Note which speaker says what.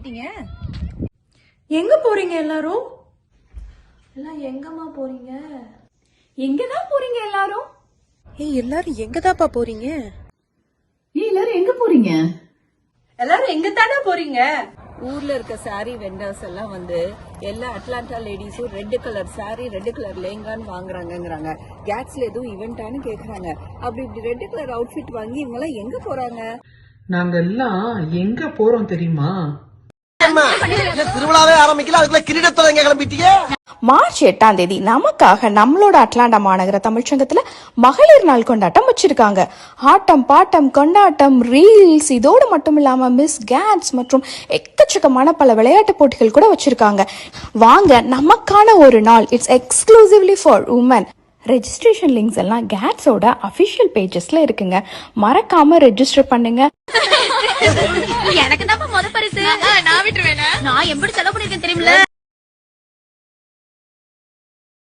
Speaker 1: கிளம்பிட்டீங்க?
Speaker 2: எங்க போறீங்க எல்லாரும்?
Speaker 3: எல்லாம் எங்கம்மா போறீங்க?
Speaker 2: எங்கதான் போறீங்க எல்லாரும்?
Speaker 1: எல்லாரும் எங்கதாப்பா போறீங்க?
Speaker 4: எல்லாரும் எங்க போறீங்க?
Speaker 2: எல்லாரும் எங்க தானே போறீங்க?
Speaker 5: ஊர்ல இருக்க சாரி வெண்டர்ஸ் எல்லாம் வந்து எல்லா அட்லாண்டா லேடிஸும் red colour sari red colour லேங்கான்னு வாங்குறாங்கங்கறாங்க. கேட்ஸ்ல எதுவும் ஈவென்ட்டானு கேக்குறாங்க. அப்படி இப்படி ரெட் கலர் அவுட்ஃபிட் வாங்கி இவங்க எல்லாம் எங்க போறாங்க?
Speaker 6: நாங்க எல்லாம் எங்க போறோம் தெரியுமா?
Speaker 7: திருவிழாவே ஆரம்பிக்கல, அதுக்குள்ள கிரீடத்தோட எங்க கிளம்பிட்டீங்க?
Speaker 8: மார்ச் 8ஆம் தேதி நமக்காக நம்மளோட அட்லாண்டா மாநகர தமிழ்ச்சங்கத்துல மகளிர் நாள் கொண்டாட்டம் வச்சிருக்காங்க. ஆட்டம் பாட்டம் கொண்டாட்டம் ரீல்ஸ் இதோடு மட்டும் இல்லாம மிஸ் கேட்ஸ் மற்றும் எக்கச்சக்கமான பல விளையாட்டு போட்டிகள் கூட வச்சிருக்காங்க. வாங்க, நமக்கான ஒரு நாள். It's exclusively for women. Registration links எல்லாம் கேட்ஸோட அபிஷியல் பேஜஸ்ல இருக்குங்க. மறக்காம ரெஜிஸ்டர் பண்ணுங்க.
Speaker 9: எனக்கு தான் முத பரிசு. நான் விட்டுருவேன். நான் எப்படி செலவு பண்ணிருக்கேன் தெரியுமில்ல?